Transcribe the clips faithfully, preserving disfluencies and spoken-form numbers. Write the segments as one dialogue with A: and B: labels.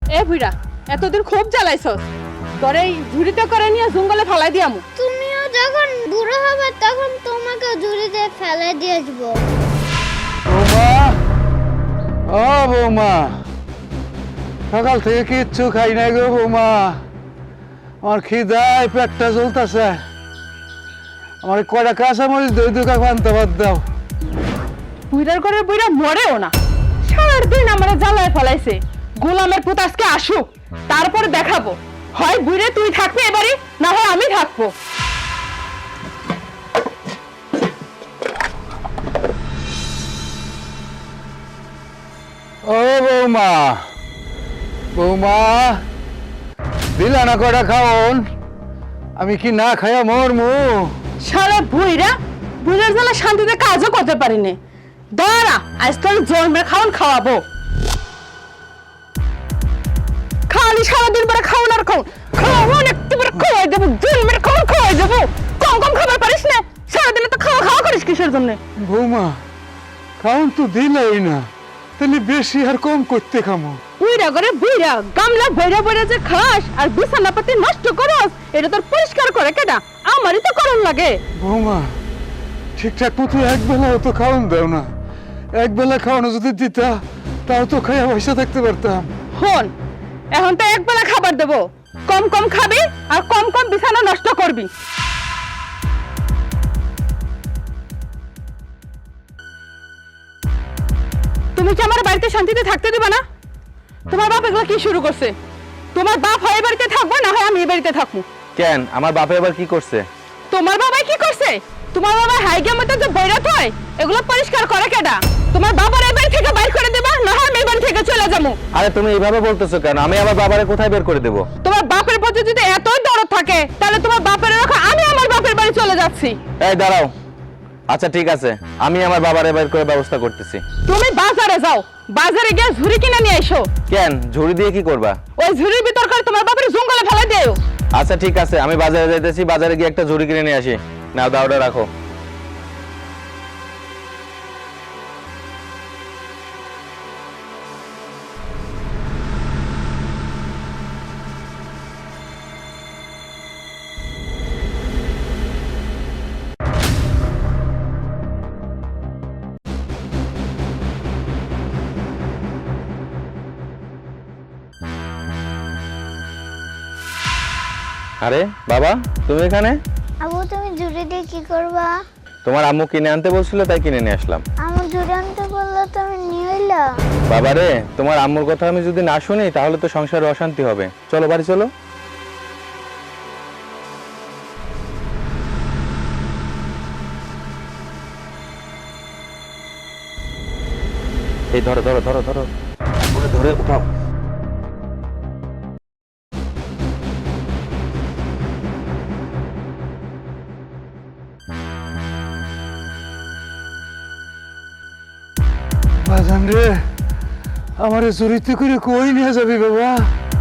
A: এ বুইড়া এতদিন খুব জ্বালাইছস, তোর এই ঝুড়িতে করে নিয়ে জঙ্গলে ফেলাই দিয়ামু।
B: তুমিও যখন বুড়ো হবে তখন তোমাকে ঝুড়িতে ফেলে দিয়ে আসবো।
C: বৌমা, ও বৌমা, সকাল থেকে কিচ্ছু খাই নাই গো বৌমা। আমার খিদায় পেটটা জ্বলতেছে। আমার কয়টা কাঁচা মরিচ দই দুকা পান্তা ভাত দাও।
A: বুইড়ার করে বুইড়া মরেও না, সারাদিন আমরা জ্বালায় ফেলাইছে। গোলামের পুত আজকে আসুক, তারপর দেখাবো হয় বুইড়ে তুই থাকবি এবারে, না হয় আমি থাকবো।
C: ও বৌমা, বৌমা দিলা না কয়টা খাওন? আমি কি না খাইয়া মরমু?
A: সারা বুইড়া বুইড়ার জ্বালা শান্তিতে কাজও করতে পারিনি। দাঁড়া, আজ তোর জন্মের খাওয়ান খাওয়াবো। খালি সারাদিন পরে খাওয়ান আর খাওয়ান খাওয়ান একটু করে খাওয়াই দেবো, জন্মের খাওয়ান খাওয়াই দেবো। কম কম খাবার পারিস না, সারাদিনে তো খাওয়া খাওয়া করিস কিসের জন্য?
C: বৌমা খাওন তো দিলাই না, তাহলে বেশি আর কম করতে খামো?
A: বুইড়া করে বুইড়া গামলা বইরা বইরা যে খাস আর বিছানা পাতি নষ্ট করস, এটা তোর পরিষ্কার করে কেডা? আমারই তো করণ লাগে।
C: বৌমা ঠিকঠাক মতো এক বেলাও তো খাওয়ান দাও না। এক বেলা খাওয়ানো যদি দিতা তাও তো খাইয়া পয়সা থাকতে পারতাম।
A: হন, এখন তো এক বেলা খাবার দেবো, কম কম খাবি আর কম কম বিছানা নষ্ট করবি। তুমি কি আমার বাড়িতে শান্তিতে থাকতে দিবা না? তোমার বাপ এগুলো কি শুরু করছে? তোমার বাপ হয় বাড়িতে থাকবো, না হয় আমি এই বাড়িতে থাকবো।
D: কেন, আমার বাপে এবার কি করছে?
A: তোমার বাবাই কি করছে? তোমার বাবা হাইগের মধ্যে যে বৈরাত হয় এগুলো পরিষ্কার করে কেডা? তোমার বাবার এই বাড়ি থেকে বাইর করে দেবা, না হয় আমি এই বাড়ি থেকে চলে যাবো।
D: আরে তুমি এইভাবে বলতেছো কেন? আমি আমার বাবারে কোথায় বের করে দেব?
A: তোমার বাপের প্রতি যদি এতই দরদ থাকে তাহলে তোমার বাপের রাখা, আমি আমার বাপের বাড়ি চলে যাচ্ছি।
D: এই দাঁড়াও, আচ্ছা ঠিক আছে, আমি আমার বাবারে বের করে ব্যবস্থা করতেছি।
A: তুমি বাজারে যাও, বাজারে গিয়ে ঝুড়ি কিনে নিয়ে এসো।
D: কেন, ঝুড়ি দিয়ে কি করবা?
A: ওই ঝুড়ির ভিতর করে তোমার বাপের জঙ্গলে ফেলে দিও।
D: আচ্ছা ঠিক আছে, আমি বাজারে যাইতেছি, বাজারে গিয়ে একটা ঝুড়ি কিনে নিয়ে আসি। নাও দাওটা রাখো। আরে বাবা, তুমি এখানে?
B: আবু তুমি ঝুড়ি দিয়ে কি করবা?
D: তোমার আম্মু কিনে আনতে বলছিল, তাই কিনে নিয়ে আসলাম।
B: আমার ঝুড়ি আনতে বললো তুমি নিয়ে এলা।
D: বাবা রে, তোমার আম্মুর কথা আমি যদি না শুনি তাহলে তো সংসারে অশান্তি হবে। চলো বাড়ি চলো। এই ধরো ধরো ধরো ধরো ধরে ধরে উঠাও।
C: বাজান রে, আমারে চুরিতে করে কই নিয়ে যাবি বাবা?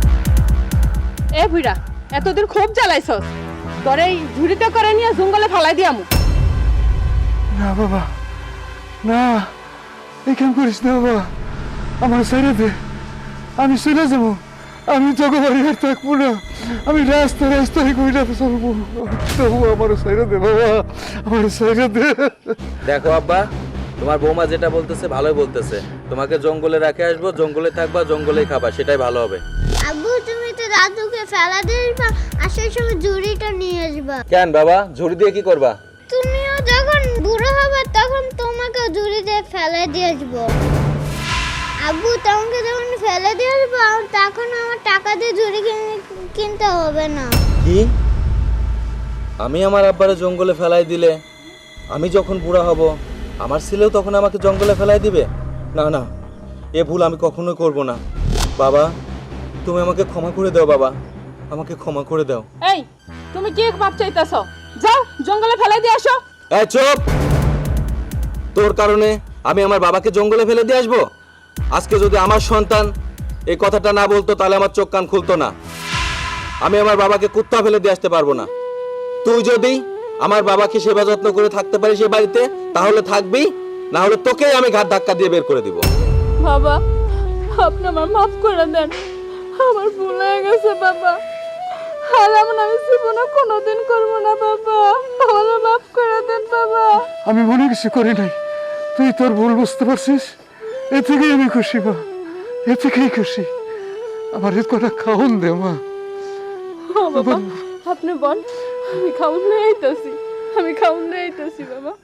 A: এ বুইড়া এতদিন খুব জ্বালাইছস, তোর এই ঝুড়িতে করে নিয়ে জঙ্গলে ফেলাই দিয়ামু।
C: না বাবা, না এই কাম করিস না বাবা। আমার ছেড়ে দে, আমি চলে যাবো। আমি তোকে বাড়ি আর থাকবো না। আমি রাস্তা রাস্তায় কইরা চলবো। তবু আমার ছেড়ে দে বাবা, আমার ছেড়ে দে।
D: দেখো আব্বা, তোমার বৌমা যেটা বলতেছে ভালোই বলতেছে। তোমাকে জঙ্গলে রেখে আসবো, জঙ্গলে থাকবা, জঙ্গলেই খাবা, সেটাই ভালো হবে।
B: আবু তুমি তো দাদুকে ফেলা দিয়ে আসবা, আসার সময় ঝুড়িটা নিয়ে আসবা।
D: কেন বাবা, ঝুড়ি দিয়ে কি করবা?
B: তুমিও যখন বুড়ো হবে তখন তোমাকে ঝুড়ি দিয়ে ফেলে দিয়ে আসবো। আবু তোমাকে যখন ফেলে দিয়ে আসবো তখন আমার টাকা দিয়ে ঝুড়ি কিনে- কিনতে হবে না।
D: কি? আমি আমার আব্বারে জঙ্গলে ফেলাই দিলে আমি যখন বুড়া হব আমার ছেলেও তখন আমাকে জঙ্গলে ফেলাই দিবে? না না, এ ভুল আমি কখনোই করব না। বাবা, তুমি আমাকে ক্ষমা করে দাও বাবা, আমাকে ক্ষমা করে দাও।
A: এই তুমি কি বাপ চাইতেছ? যাও জঙ্গলে ফেলাই দিয়ে আসো।
D: এই চুপ! তোর কারণে আমি আমার বাবাকে জঙ্গলে ফেলে দিয়ে আসবো? আজকে যদি আমার সন্তান এই কথাটা না বলতো তাহলে আমার চোখ কান খুলতো না। আমি আমার বাবাকে কুত্তা ফেলে দিয়ে আসতে পারবো না। তুই যদি আমার বাবাকে সেবা যত্ন করে থাকতে পারিস এই বাড়িতে তাহলে থাকবি, না হলে তোকেই আমি ঘাট ধাক্কা দিয়ে বের করে দিব।
A: বাবা, আপনি আমার মাফ করে দেন। আমার ভুল হয়ে গেছে বাবা, আর এমন আমি জীবনে কোনোদিন করবো না বাবা, আমার মাফ করে দেন বাবা।
C: আমি মনে কিছু করি নাই, তুই তোর ভুল বুঝতে পারছিস, এ থেকেই আমি খুশি মা, এ থেকেই খুশি। আমার এ কটা খাওন দে মা।
A: বাবা আপনি বল, আমি খাউন নিয়ে আইতাছি, আমি খাউন নিয়ে আইতাছি বাবা।